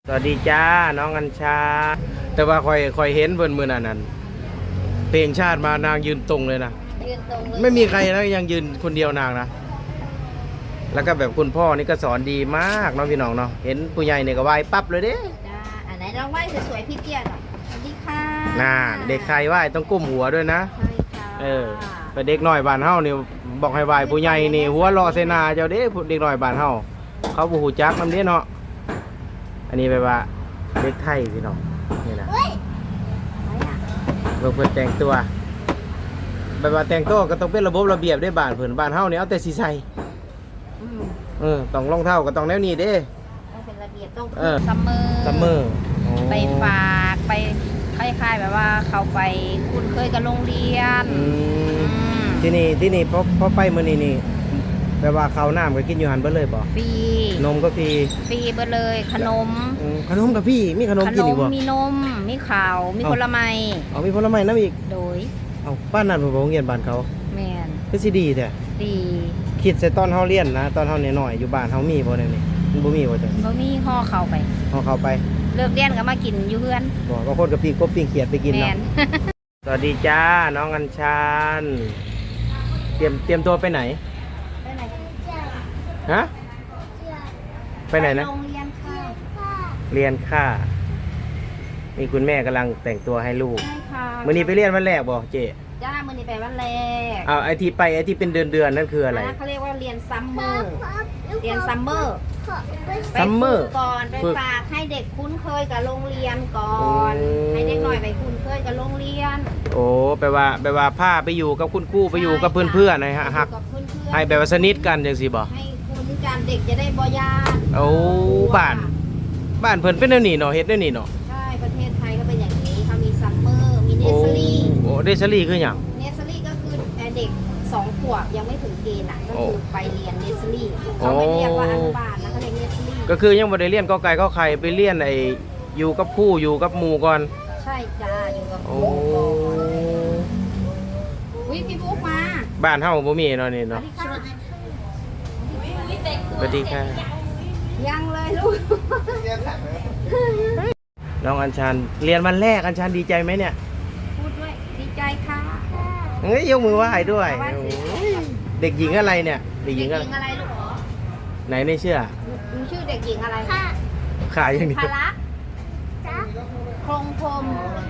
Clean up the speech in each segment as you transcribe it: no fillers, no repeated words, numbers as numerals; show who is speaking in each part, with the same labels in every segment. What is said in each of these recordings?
Speaker 1: สวัสดีจ้าน้องอัญชาแต่ว่าคอยเห็นเพิ่นมื้อนั้นเพลงชาติมานางยืนตรงเลยนะ
Speaker 2: ยืนตรงเลย
Speaker 1: ไม่มีใครนะยังยืนคนเดียวนางนะแล้วก็แบบคุณพ่อนี่ก็สอนดีมากเนาะพี่น้องเนาะเห็นผู้ใหญ่เนี่ยก็ไหว้ปั๊บเลยเด้
Speaker 2: จ้าอันไหนลองไหว้สวยๆพี่เตี้ยหน่อยสวัสดีค่ะ
Speaker 1: น่าเด็กใครไหว้ต้องก้มหัวด้วยนะ
Speaker 2: ใช่ค่ะ
Speaker 1: ไปเด็กน้อยบ้านเฮานี่บอกให้ไหว้ผู้ใหญ่นี่หัวรอเสนาเจ้าเด้เด็กน้อยบ้านเฮาเขาบ่ฮู้จักนำเด้เนาะอันนี้แปลว่าเด็กไทยพี่น้องนี่นะเพิ่นแต่งตัวแบบว่าแต่งตัวก็ต้องเป็นระบบระเบียบได้บ้านเพิ่นบ้านเฮานี่เอาแต่สีใส่ต้องรองเท้าก็ต้องแนวนี้เด้
Speaker 2: ต้องเป็นระเบียบต้องซัมเมอร์ไปฝากไปคล้ายๆแบบว่าเขาไปคุ้นเคยกับโรงเรียน
Speaker 1: ที่นี่พอไปมื้อนี้นี่แปลว่าข้าวน้ำก็กินอยู่หันเบิดเลยบ่
Speaker 2: ฟรี
Speaker 1: นมก็ฟรี
Speaker 2: เบิดเลยขนม
Speaker 1: ก็ฟรีมีขนมกินอีกบ่
Speaker 2: มีนมมีข้าวมีผลไม้
Speaker 1: มีผลไม้นำอีก
Speaker 2: โดย
Speaker 1: บ้านนั้นบ่โรงเรียนบ้านเขา
Speaker 2: แม่น
Speaker 1: คือสิดีแท้
Speaker 2: ดี
Speaker 1: คิดใส่ตอนเฮาเรียนนะตอนเฮาน้อยๆอยู่บ้านเฮามีบ่ได้นี่มันบ่มีบ่จ้ะ
Speaker 2: บ่มีห่อเข้าไปเลิกเรียนก็มากินอยู่เฮือน
Speaker 1: บ่บางคนก็ปิ้งกบปิ้งเขียดไปกินเนาะสวัสดีจ้าน้องอัญชันเตรียมตัวไปไหนฮะไปไหนนะเรียนค่ามีคุณแม่กำลังแต่งตัวให้ลูกมื้อนี้ไปเรียนวันแรกบ่เจ๊
Speaker 2: จ้ามื้อนี้ไปวันแรก
Speaker 1: ไอที่เป็นเดือนนั่นคืออะไร
Speaker 2: เขาเรียกว่าเรียนซัมเมอร์ก่อนไปฝากให้เด็กคุ้นเคยกับโรงเรียนก่อนให้เด็กหน่อยไปคุ้นเคยกับโรงเรียน
Speaker 1: โอ้แปลว่าพาไปอยู่กับคุณครูไปอยู่กับเพื่อนๆนะฮะฮักให้แบบว่าสนิทกันจังซี่บ่
Speaker 2: ให้คุ้นกันเด็กจะได้บ่ยาก
Speaker 1: โอ้บ้านเพิ่นเป็นแนวนี้เนาะเฮ็ดแนวนี้เนาะ
Speaker 2: ใช่ประเทศไทยก็เป็นอย่างนี้เขามีซัมเมอร์มีเนสซอรี่
Speaker 1: เนสซอรี่คือหยัง
Speaker 2: เนสซอรี่ก็คือเด็ก2 ขวบยังไม่ถึงเกณฑ์ก็คือไปเรียนเนสซอรี่เขาไม่เรียกว่าอนุบาลนะเขาเรียกเนสซอรี่
Speaker 1: ก็คือยังบ่ได้เรียนกอไก่ขอไข่ไปเรียนอยู่กับครูอยู่กับหมู่ก่อน
Speaker 2: ใช่จ้าอยู่กับครูก่อนพี่บุ๊กมา
Speaker 1: บ้านเฮาบ่มีเนาะนี่เนาะสวัสดีค่ะ
Speaker 2: ยังเลยลูก
Speaker 1: น้องอัญชันเรียนวันแรกอัญชันดีใจไหมเนี่ย
Speaker 2: พูดด้วยดีใจค่ะ
Speaker 1: เฮ้ยยกมือไหว้ด้วยเด็กหญิงอะไรเนี่ยเด็กหญิงอะไร
Speaker 2: ลูก
Speaker 1: ไหนไม่เชื่อ
Speaker 2: ชื่อเด็กหญิงอะไร
Speaker 1: ขาอย่างนี้
Speaker 2: พละคงพรม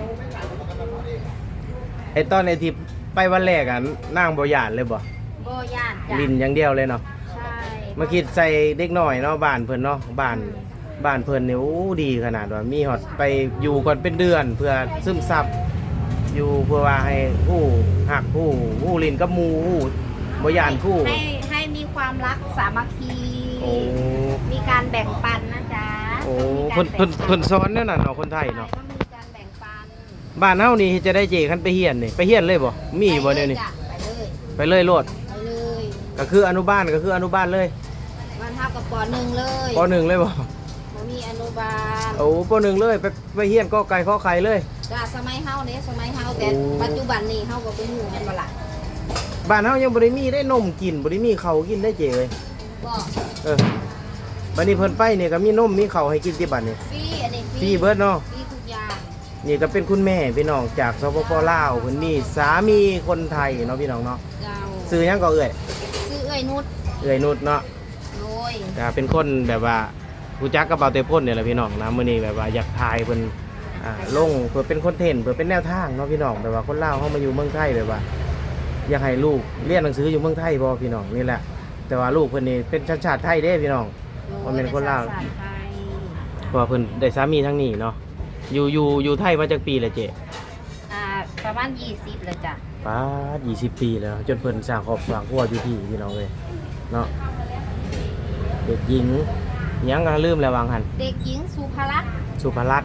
Speaker 1: ตอนที่ไปวันแรกอ่ะนั่งบ่หยาดเลยบ่
Speaker 2: หยาด
Speaker 1: ลินอย่างเดียวเลยเนาะ
Speaker 2: ใช่
Speaker 1: มาคิดใส่เด็กหน่อยเนาะบ้านเพิ่นเนาะบ้านเพิ่นเนี่ยโอ้ดีขนาดว่ามีฮอดไปอยู่ก่อนเป็นเดือนเพื่อซึมซับอยู่เพื่อว่าให้ผู้หักผู้ลินกับหมู่บ่หยาดผู้
Speaker 2: ให้มีความรักสามัคคีมีการแบ่งปันนะจ๊ะ
Speaker 1: โอ้เพิ่นสอนนั่นน่ะเนาะคนไทยเนาะ
Speaker 2: มีการแบ่งปัน
Speaker 1: บ้านเฮานี่จะได้เจคันไปเฮียนนี่ไปเฮียนเลยบ่มีบ่เดี๋ยวนี้ไปเลยโลดก็คืออนุบาลเลย
Speaker 2: บ้านเฮากับป.1เลย
Speaker 1: ป.1เลยบ่
Speaker 2: มีอนุบาล
Speaker 1: โอ้ป.1เลยไปเฮียนกอไก่ขอไข่เลย
Speaker 2: จ้าสมัยเฮาแต่ปัจจุบันนี้เฮาก็บ่ฮู้แม่นบ่ล่ะ
Speaker 1: บ้านเฮายังบ่ได้มีได้นมกินบ่ได้มีข้าวกินได้เจเลย
Speaker 2: บ่
Speaker 1: บัดนี้เพิ่นไปนี่ก็มีนมมีข้าวให้กินที่บ้านนี่
Speaker 2: ฟรีอันนี้
Speaker 1: ฟรีเบิดเนาะ
Speaker 2: ฟรีทุกอย่าง
Speaker 1: นี่ก็เป็นคุณแม่พี่น้องจากสปป.ลาวเพิ่นมีสามีคนไทยเนาะพี่น้องเนาะชื่อหยังก็ชื่อ
Speaker 2: เอ้ยนุช
Speaker 1: เนาะ
Speaker 2: โอ้ย
Speaker 1: ก็เป็นคนแบบว่ารู้จักกับเบาเตพ่นนี่แหละพี่น้องนะมื้อนี้แบบว่าอยากถ่ายเพิ่นลงเพื่อเป็นคอนเทนต์เพื่อเป็นแนวทางเนาะพี่น้องแบบว่าคนลาวเฮามาอยู่เมืองไทยแบบว่าอยากให้ลูกเรียนหนังสืออยู่เมืองไทยบ่พี่น้องนี่แหละแต่ว่าลูกเพิ่นนี่เป็นชาติไทยเด้พี่น้องบ่แม่นคนลาวเพราะว่าเพิ่นได้สามีทั้งนี้เนาะอยู่ไทยมาจักปีแล้วเจ๊
Speaker 2: ประมาณ20แล้วจ้ะ
Speaker 1: ป้า20 ปีแล้วจนเพิ่นสร้างครอบครัวอยู่ที่พี่น้องเลยเนาะเด็กหญิงยังก็ลืมแล้ววางหัน
Speaker 2: เด็กหญิงสุภลักษณ์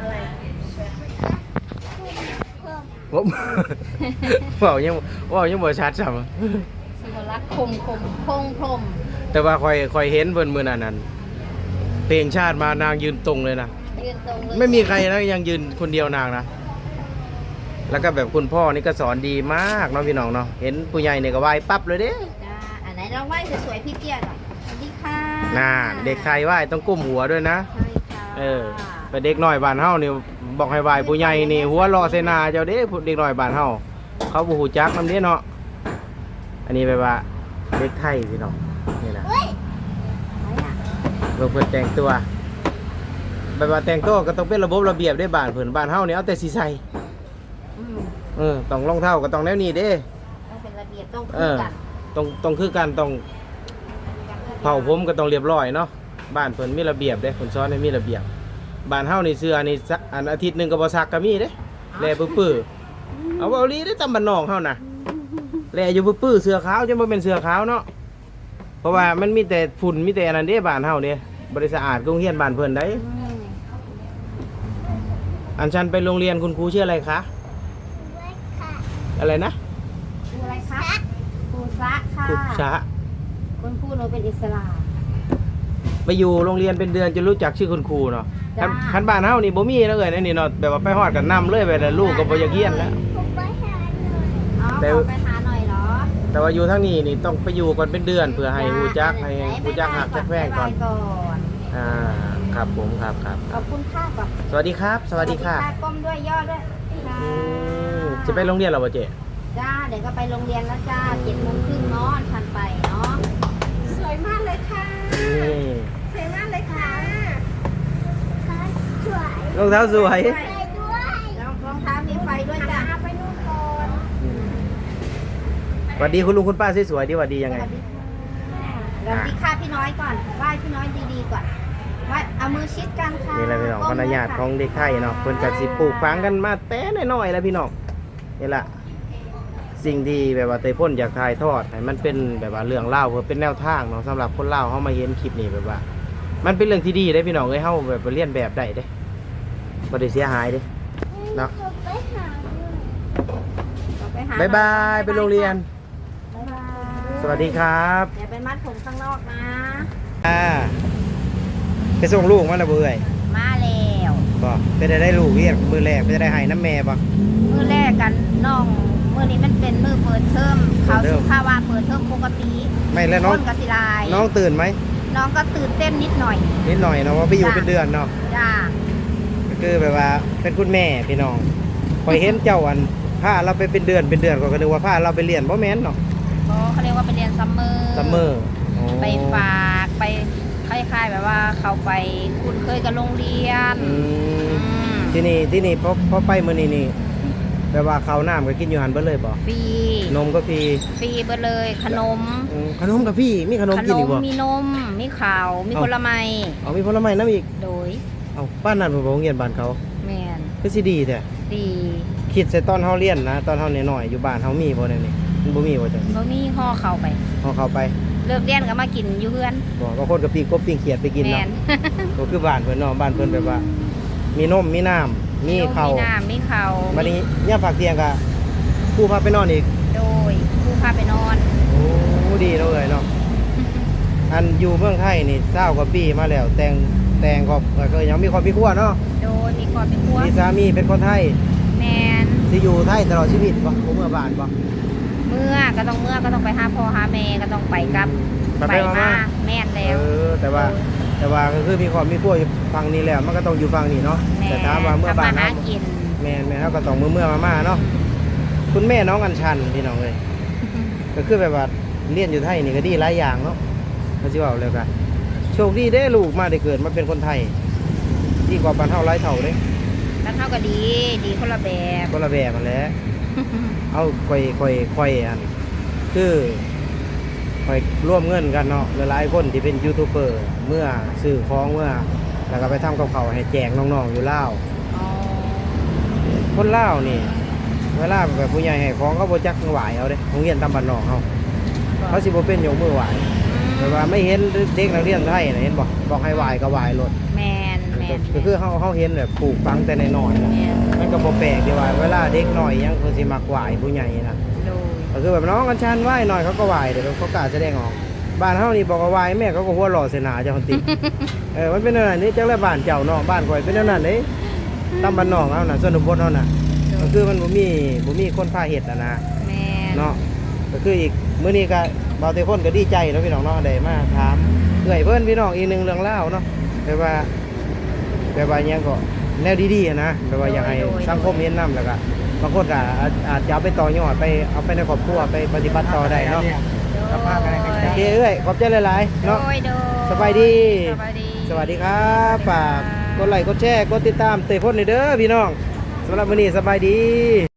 Speaker 1: ผมยังบ่ชัดซ้ำ
Speaker 2: สุภลักษณ์คงพรม
Speaker 1: แต่ว่าคอยเห็นเพิ่นมื้อนั้นเพลงชาติมานางยืนตรงเลยนะ
Speaker 2: ยืนตรงเลย
Speaker 1: ไม่มีใครนะยังยืนคนเดียวนางนะแล้วก็แบบคุณพ่อนี่ก็สอนดีมากเนาะพี่น้องเนาะเห็นผู้ใหญ่เนี่ยก็ไหว้ปั๊บเลยเด้
Speaker 2: จ้าอันไหนลองไหว้สวยๆพี่เตี้ยหน่อยสวัสดีค่ะ
Speaker 1: น่าเด็กใครไหว้ต้องก้มหัวด้วยนะ
Speaker 2: ใช่ค่ะ
Speaker 1: แต่เด็กน้อยบ้านเฮานี่บอกให้ไหว้ผู้ใหญ่นี่หัวเราะใส่หน้าเจ้าเด้เด็กน้อยบ้านเฮาเขาบ่ฮู้จักนำเด้เนาะอันนี้แบบว่าเด็กไทยพี่น้องนี่นะเพิ่นแต่งตัวแบบว่าแต่งตัวก็ต้องเป็นระบบระเบียบได้บ้านเพิ่นบ้านเฮานี่เอาแต่สิใส่ต้องรองเท้าก็ต้องแนวนี้เด้
Speaker 2: ต้องเป็นระเบียบต้องคือกัน
Speaker 1: ต้องคือกันต้องเผาผมก็ต้องเรียบร้อยเนาะบ้านเพิ่นมีระเบียบเด้เพิ่นสอนให้มีระเบียบบ้านเฮานี่เสื้อนี่อันอาทิตย์นึงก็บ่ซักก็มีเด้แลปื้อๆเอาอีหลีได้ตำบ้านนอกเฮาน่ะแลอยู่ปื้อๆเสื้อขาวจะบ่เป็นเสื้อขาวเนาะเพราะว่ามันมีแต่ฝุ่นมีแต่อันนั้นเด้บ้านเฮาเนี่ยบ่ได้สะอาดโรงเรียนบ้านเพิ่นได้อันฉันไปโรงเรียนคุณครูชื่ออะไรคะอะไรนะ
Speaker 2: ครูอะไรคะครูซะค่ะ
Speaker 1: ครูชะ
Speaker 2: คุณครูหนูเป็นอิสลาม
Speaker 1: ไปอยู่โรงเรียนเป็นเดือนจะรู้จักชื่อคุณครูเนาะคันบ้านเฮานี่บ่มีแล้วเอ้ยนี่เนาะแบบว่าไปฮอดกันนำเลยไปแต่ลูกก็บ่อยากเรียนแล้ว
Speaker 2: แต่ไปหาหน่อยเหรอ
Speaker 1: แต่ว่าอยู่ทางนี้นี่ต้องไปอยู่ก่อนเป็นเดือนเพื่อให้ฮู้จักให้ฮู้จักหักจักแพงก่อนครับผมครับ
Speaker 2: ขอบคุณค่ะก่อน
Speaker 1: สวัสดีครับสวัสดีค่ะ
Speaker 2: ก้มด้วยย่อด้วย
Speaker 1: จะไปโรงเรียนเหรอบ่เจ๊
Speaker 2: จ้าเดี๋ยวก็ไปโรงเรียนแล้วจ้า7:30เนาะทันไปเนาะสวยมากเลยค่ะสวยมากเลยค่ะ
Speaker 1: สวยรองเท้าสวย
Speaker 2: รองเท้ามีไฟด้วยจ้าไปนู่นก่อน
Speaker 1: สวัสดีคุณลุงคุณป้าสวยๆดีสวัสดียังไง
Speaker 2: สวัสดีค่ะพี่น้อยก่อนไหว้พี่น้อยดีๆก่อนว่าเอามือชิดกันค่ะ
Speaker 1: นี่แหละพี่น้องมารยาทของเด็กไทยเนาะเพิ่นก็สิปลูกฝังกันมาแต่น้อยๆแล้วพี่น้องนี่แหละสิ่งที่แบบว่าเตยพ่นอยากถ่ายทอดให้มันเป็นแบบว่าเรื่องเล่าเพื่อเป็นแนวทางเนาะสำหรับคนเล่าเขามาเห็นคลิปนี้แบบว่ามันเป็นเรื่องที่ดีได้พี่น้องเอ้ยเฮาแบบเรียนแบบได้เด้บ่ได้เสียหายเด้เนาะบ๊ายบายไปโรงเรียนสวัสดีครับ
Speaker 2: อย่าไปมัดผมข้างนอกนะ
Speaker 1: ไปส่งลูกมาแล้วเบื่อ
Speaker 2: มาแล้ว
Speaker 1: บ่ไปได้ลูกเรียกมือแรกไปได้ให้น้ำแม่บ่
Speaker 2: มือแรกกันน้องมือนี้มันเป็นมือเปิดเทอมเขาสุภาวะเปิดเทอมปกติ
Speaker 1: ไม่แล้วน้อง
Speaker 2: กสิลาย
Speaker 1: น้องตื่นไหม
Speaker 2: น้องก็ตื่นเต้นนิดหน่อย
Speaker 1: เนาะว่าไปอยู่เป็นเดือนเนาะ
Speaker 2: จ้า
Speaker 1: ก็คือแบบว่าเป็นคุณแม่พี่น้องคอยเห็นเจ้าอันพาเราไปเป็นเดือนก็นึกว่าพาเราไปเรียนบ่แม่นเนาะ
Speaker 2: เขาเรียกว่าไปเรียนซัมเมอร์ไปฝากไปคล้ายๆแบบว่าเขาไปคุ้นเคยกับโรงเรียน
Speaker 1: ที่นี่พอไปมื้อนี้นี่แบบว่าข้าวน้ำก็กินอยู่หันเบิดเลยบ่
Speaker 2: ฟรี
Speaker 1: นมก็ฟรี
Speaker 2: เบิดเลยขนม
Speaker 1: ก็ฟรีมีขนมกินอีกบ่
Speaker 2: มีนมมีข้าวมีผลไม้
Speaker 1: มีผลไม้นำอีก
Speaker 2: โดย
Speaker 1: บ้านนั้นบ่โรงเรียนบ้านเขา
Speaker 2: แม่น
Speaker 1: คือสิดีแท้
Speaker 2: ดี
Speaker 1: คิดใส่ตอนเฮาเรียนนะตอนเฮาน้อยๆอยู่บ้านเฮามีบ่แนวนี้มันบ่มีบ่จัง
Speaker 2: บ่มีห่อเข้าไปเลิกเรียนก็มากินอยู่เฮือน
Speaker 1: บ่บางคนก็ปิ้งกบปิ้งเขียดไปกินเนาะก็คือบ้านเพิ่นเนาะบ้านเพิ่นแบบว่ามีนมมีน้ำมีข้าว
Speaker 2: มีข้าว
Speaker 1: บัดนี้ยามพักเที่ยงก็ครูพาไปนอนอีก
Speaker 2: โดยครูพาไปนอน
Speaker 1: โอ้ดีเนาะเอ้ยเนาะอันอยู่เมืองไทยนี่20กว่าปีมาแล้วแต่งก็ยังมีครอบครัวเนาะ
Speaker 2: โดยมีครอบครัว
Speaker 1: มีสามีเป็นคนไทย
Speaker 2: แม่น
Speaker 1: สิอยู่ไทยตลอดชีวิตบ่เมื่อบ้านบ่
Speaker 2: เมื่อก็ต้องไปหาพ่อหาแม่ก็ต้องไปกับไปมาแม่นแล้ว
Speaker 1: แต่ว่าก็คือมีครอบครัวอยู่ฝั่งนี้แล้วมันก็ต้องอยู่ฝั่งนี้เนาะแต่ถามว่าเมื่อบ้านเฮาแม่เฮาก็ต้องเมื่อมาเนาะคุณแม่น้องอัญชันพี่น้องเอ้ยก็คือแบบว่าเรียนอยู่ไทยนี่ก็ดีหลายอย่างเนาะเขาสิว่าแล้วกันโชคดีเด้ลูกมาได้เกิดมาเป็นคนไทยดีกว่าบ้านเฮาหลายเท่าเด้
Speaker 2: บ้านเฮาก็ดีคนละแบบ
Speaker 1: มันแหละเอาค่อยอันคือค่อยร่วมเงินกันเนาะหลายๆคนที่เป็นยูทูบเบอร์เมื่อซื้อของเมื่อแล้วก็ไปทำกับเขาให้แจกน้องๆอยู่ลาวคนลาวนี่เวลาแบบผู้ใหญ่ให้ของเขาบ่จักไหวเอาเด้โรงเรียนตามบ้านนอกเขาสิบ่เป็นยกมือไหวแต่ว่าไม่เห็นเด็กนักเรียนไทยน่ะเห็นบอกให้ไหวก็ไหวโลด
Speaker 2: แม่น
Speaker 1: ก็คือเขาเห็นแบบปลูกฝังแต่น้อยๆมันก็บ่แปลกที่ว่าเวลาเด็กน้อยยังเพิ่นสิมักไหวผู้ใหญ่นะก็คือแบบน้องกันชันไหวหน่อยเขาก็ไหวเดี๋ยวเขากล้าแสดงออกบ้านเฮานี่บอกว่าไหวแม่เขาก็หัวหล่อเสนาเจ้าคนติมันเป็นอะไรนี่จังได๋บ้านเจ้าเนาะบ้านข่อยเป็นแนวนั้นเด้ตามบ้านนอกเฮาน่ะชนบทเฮาน่ะก็คือมันบ่มีคนพาเฮ็ดนะ
Speaker 2: แม่
Speaker 1: เนาะก็คืออีกมื้อนี้ก็บ่าวแต่คนก็ดีใจเนาะพี่น้องเนาะได้มาถามเอื้อยเพิ่นพี่น้องอีกนึงเรื่องเล่าเนาะแต่ว่าแบบว่าหยังก็แนวดีๆอะนะแบบว่าอยากให้สังคมเห็นนำแล้วก็บางคนก็อาจจะเอาไปต่อยอดไปเอาไปในครอบครัวไปปฏิบัติต่อได้เนาะ
Speaker 3: กลับมากัน
Speaker 1: โอเคเอ้ยขอบใจหลายๆเนาะ
Speaker 2: โดย
Speaker 1: สบายดี
Speaker 2: สบายดี
Speaker 1: สวัสดีครับฝากกดไลค์กดแชร์กดติดตามเตะพ่นหน่อยเด้อพี่น้องสำหรับวันนี้สบายดี